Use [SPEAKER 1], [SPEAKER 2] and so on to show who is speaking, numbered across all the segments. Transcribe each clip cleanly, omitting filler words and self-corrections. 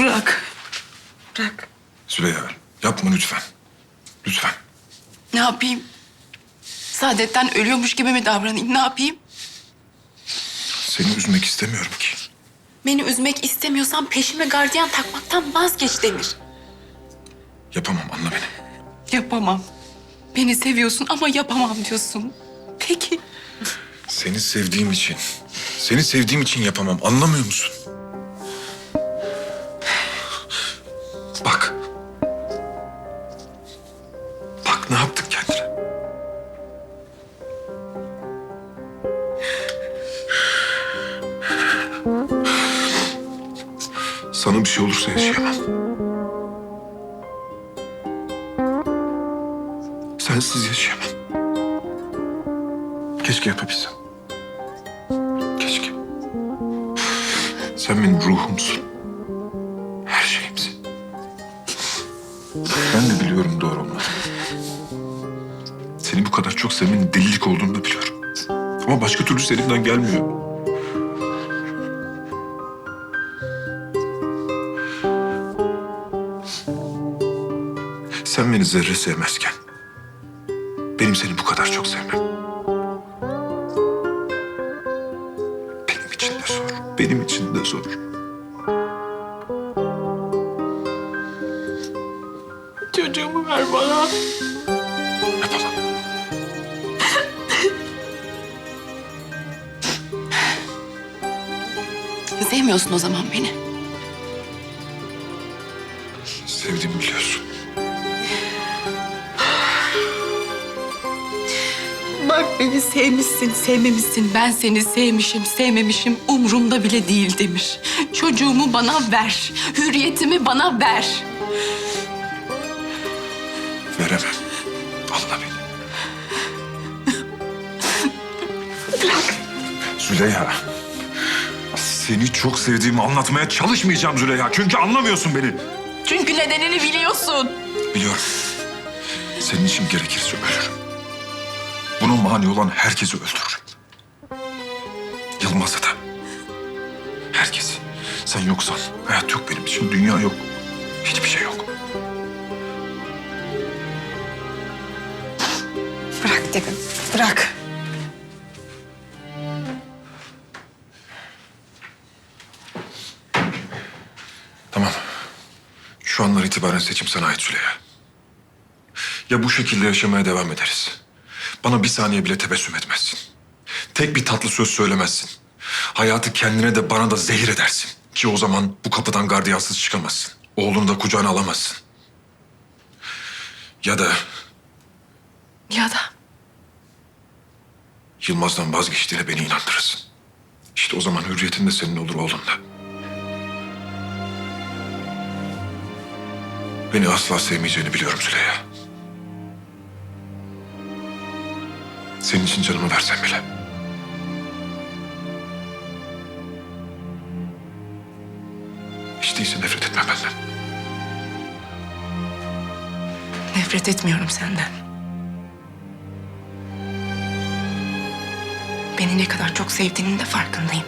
[SPEAKER 1] Bırak. Bırak.
[SPEAKER 2] Züleyha yapma lütfen. Lütfen.
[SPEAKER 1] Ne yapayım? Saadet'ten ölüyormuş gibi mi davranayım? Ne yapayım?
[SPEAKER 2] Seni üzmek istemiyorum ki.
[SPEAKER 1] Beni üzmek istemiyorsan peşime gardiyan takmaktan vazgeç Demir.
[SPEAKER 2] Yapamam, anla beni.
[SPEAKER 1] Yapamam. Beni seviyorsun ama yapamam diyorsun. Peki.
[SPEAKER 2] Seni sevdiğim için, seni sevdiğim için yapamam. Anlamıyor musun? Bak. Bak ne yaptık kendine. Sana bir şey olursa yaşayamam. Sensiz yaşayamam. Keşke yapabilsem. Keşke. Sen benim ruhumsun. Her şeyimsin. Ben de biliyorum doğru olmadığını. Seni bu kadar çok sevmenin delilik olduğunu da biliyorum. Ama başka türlü elimden gelmiyor. Sen beni zerre sevmezken benim seni bu kadar çok sevmem benim için de zor. Benim için de zor.
[SPEAKER 1] Çocuğumu ver bana.
[SPEAKER 2] Yapamam.
[SPEAKER 1] Sevmiyorsun o zaman beni.
[SPEAKER 2] Sevdiğimi biliyorsun.
[SPEAKER 1] Bak beni sevmişsin, sevmemişsin. Ben seni sevmişim, sevmemişim. Umurumda bile değil Demir. Çocuğumu bana ver. Hürriyetimi bana ver.
[SPEAKER 2] Veremem. Anla beni. Züleyha. Seni çok sevdiğimi anlatmaya çalışmayacağım Züleyha. Çünkü anlamıyorsun beni.
[SPEAKER 1] Çünkü nedenini biliyorsun.
[SPEAKER 2] Biliyorum. Senin için gerekirse ölürüm. Buna mani olan herkesi öldürürüm. Yılmaz'ı da. Herkesi. Sen yoksan hayat yok benim için. Dünya yok. Hiçbir şey yok.
[SPEAKER 1] Bırak dedim, bırak.
[SPEAKER 2] Tamam. Şu anlar itibaren seçim sana ait Züleyha. Ya bu şekilde yaşamaya devam ederiz. Bana bir saniye bile tebessüm etmezsin. Tek bir tatlı söz söylemezsin. Hayatı kendine de bana da zehir edersin. Ki o zaman bu kapıdan gardiyansız çıkamazsın. Oğlunu da kucağına alamazsın. Ya da
[SPEAKER 1] Ya da
[SPEAKER 2] Yılmaz'dan vazgeçtiğine beni inandırırsın. İşte o zaman hürriyetin de senin olur, oğlun da. Beni asla sevmeyeceğini biliyorum Züleyha. Senin için canımı versem bile. Hiç değilse nefret etme benden.
[SPEAKER 1] nefret etmiyorum senden. Beni ne kadar çok sevdiğinin de farkındayım.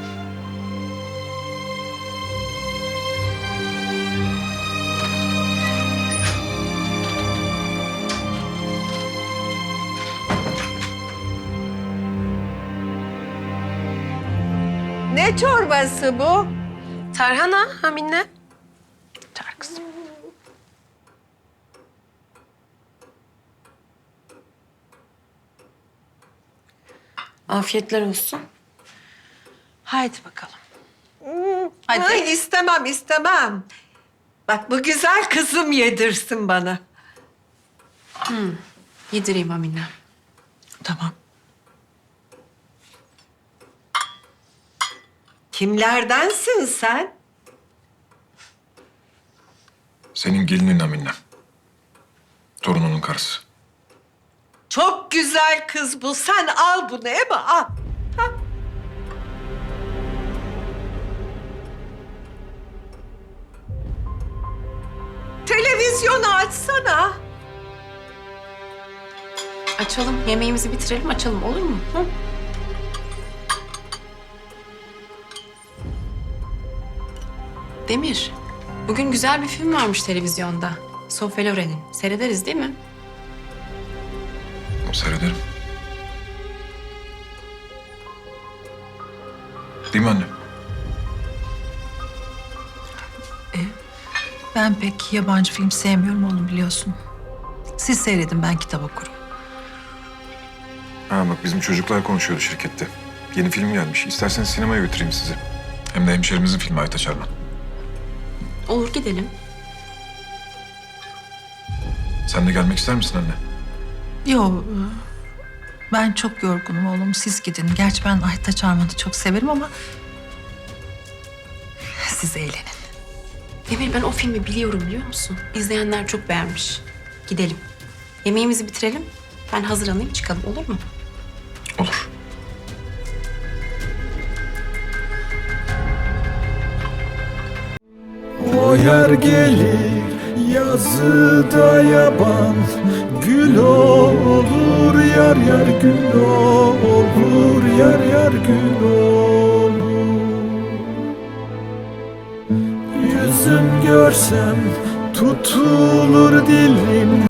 [SPEAKER 3] Ne çorbası bu?
[SPEAKER 4] Tarhana Hamine.
[SPEAKER 1] Çağır kızım.
[SPEAKER 4] Afiyetler olsun. Haydi bakalım.
[SPEAKER 1] Hadi.
[SPEAKER 3] Ay, istemem, istemem. Bak bu güzel kızım yedirsin bana.
[SPEAKER 1] Yedireyim Amine.
[SPEAKER 4] Tamam.
[SPEAKER 3] Kimlerdensin sen?
[SPEAKER 2] Senin gelinin Aminem. Torununun karısı.
[SPEAKER 3] Çok güzel kız bu. Sen al bunu Ema, al. Ha? Televizyonu açsana.
[SPEAKER 1] Açalım, yemeğimizi bitirelim, açalım olur mu? Hı? Demir, Bugün güzel bir film varmış televizyonda. Sofya Loren'in. Seyrederiz değil mi?
[SPEAKER 2] Seyrederim. Değil mi anne?
[SPEAKER 5] Ben pek yabancı film sevmiyorum oğlum biliyorsun. Siz seyredin, ben kitap okurum.
[SPEAKER 2] Ha bak bizim çocuklar konuşuyordu şirkette. Yeni film gelmiş. İsterseniz sinemaya götüreyim sizi. Hem de hemşerimizin filmi Aytaç Arman.
[SPEAKER 1] Olur gidelim.
[SPEAKER 2] Sen de gelmek ister misin anne?
[SPEAKER 5] Yo, ben çok yorgunum oğlum. Siz gidin. Gerçi ben Aytaç Arman'ı çok severim ama... siz eğlenin.
[SPEAKER 1] Emir ben o filmi biliyorum biliyor musun? İzleyenler çok beğenmiş. Gidelim. Yemeğimizi bitirelim. Ben hazırlanayım çıkalım olur mu?
[SPEAKER 2] Olur.
[SPEAKER 6] O yer gelir yazıda yaban, gül olur yar yar gül olur yar yar gül olur. Yüzüm görsem tutulur dilim.